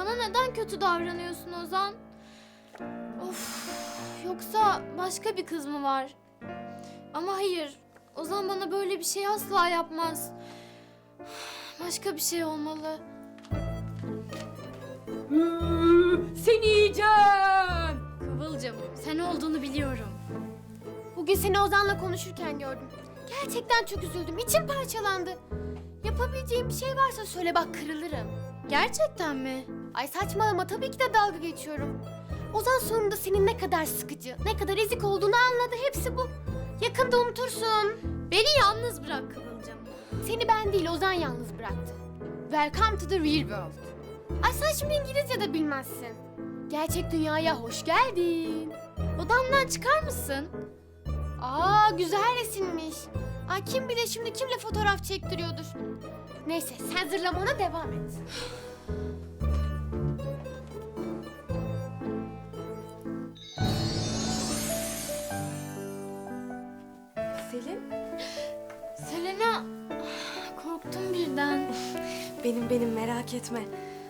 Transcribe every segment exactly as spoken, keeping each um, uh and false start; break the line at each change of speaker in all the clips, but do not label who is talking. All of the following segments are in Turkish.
Bana neden kötü davranıyorsun Ozan? Of, yoksa başka bir kız mı var? Ama hayır, Ozan bana böyle bir şey asla yapmaz. Başka bir şey olmalı.
Seni yiyeceğim.
Kıvılcım, sen olduğunu biliyorum.
Bugün seni Ozan'la konuşurken gördüm. Gerçekten çok üzüldüm. İçim parçalandı. Yapabileceğim bir şey varsa söyle bak, kırılırım.
Gerçekten mi?
Ay saçmalama, tabii ki de dalga geçiyorum. Ozan sonunda senin ne kadar sıkıcı, ne kadar ezik olduğunu anladı. Hepsi bu. Yakında unutursun.
Beni yalnız bırak Kıvılcım.
Seni ben değil, Ozan yalnız bıraktı. Welcome to the real world. Ay sen şimdi İngilizce de bilmezsin. Gerçek dünyaya hoş geldin.
Odamdan çıkar mısın?
Aa, güzel resimmiş. Ay kim bilir şimdi kimle fotoğraf çektiriyordur. Neyse sen zırlamana devam et.
Selin,
Selena, korktum birden.
benim benim merak etme.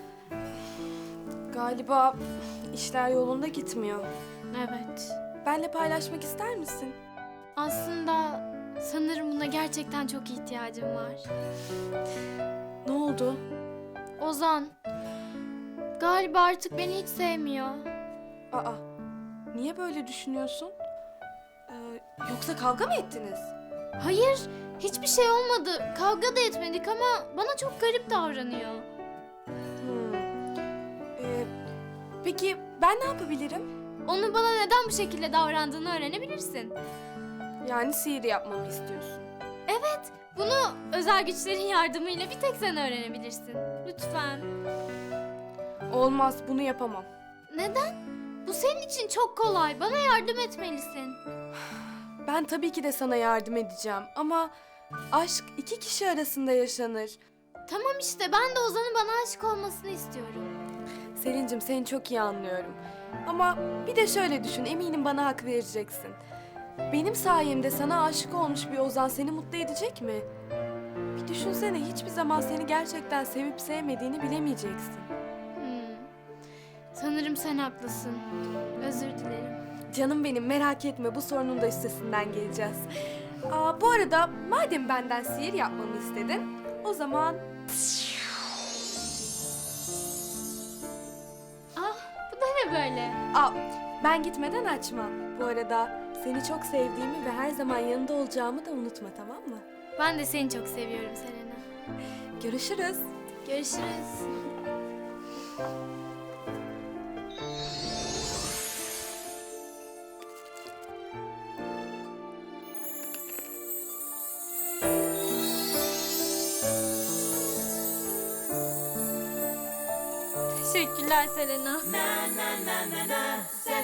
Galiba işler yolunda gitmiyor.
Evet.
Benle paylaşmak ister misin?
Aslında sanırım buna gerçekten çok ihtiyacım var.
Ne oldu?
Ozan, galiba artık beni hiç sevmiyor.
Aa, niye böyle düşünüyorsun? Ee, yoksa kavga mı ettiniz?
Hayır, hiçbir şey olmadı. Kavga da etmedik ama bana çok garip davranıyor.
Hmm. Ee, peki ben ne yapabilirim?
Onun bana neden bu şekilde davrandığını öğrenebilirsin.
Yani sihir yapmamı istiyorsun.
Evet, bunu özel güçlerin yardımıyla bir tek sen öğrenebilirsin. Lütfen.
Olmaz, bunu yapamam.
Neden? Bu senin için çok kolay. Bana yardım etmelisin.
Ben tabii ki de sana yardım edeceğim ama aşk iki kişi arasında yaşanır.
Tamam işte, ben de Ozan'ın bana aşık olmasını istiyorum.
Selin'cim seni çok iyi anlıyorum. Ama bir de şöyle düşün, eminim bana hak vereceksin. Benim sayemde sana aşık olmuş bir Ozan seni mutlu edecek mi? Bir düşünsene, hiçbir zaman seni gerçekten sevip sevmediğini bilemeyeceksin.
Hmm. Sanırım sen haklısın. Özür dilerim.
Canım benim, merak etme, bu sorunun da üstesinden geleceğiz. Aa, bu arada madem benden sihir yapmamı istedin, o zaman...
Ah, bu da ne böyle?
Aa, ben gitmeden açma. Bu arada seni çok sevdiğimi ve her zaman yanında olacağımı da unutma, tamam mı?
Ben de seni çok seviyorum Selena.
Görüşürüz.
Görüşürüz. Teşekkürler Selena.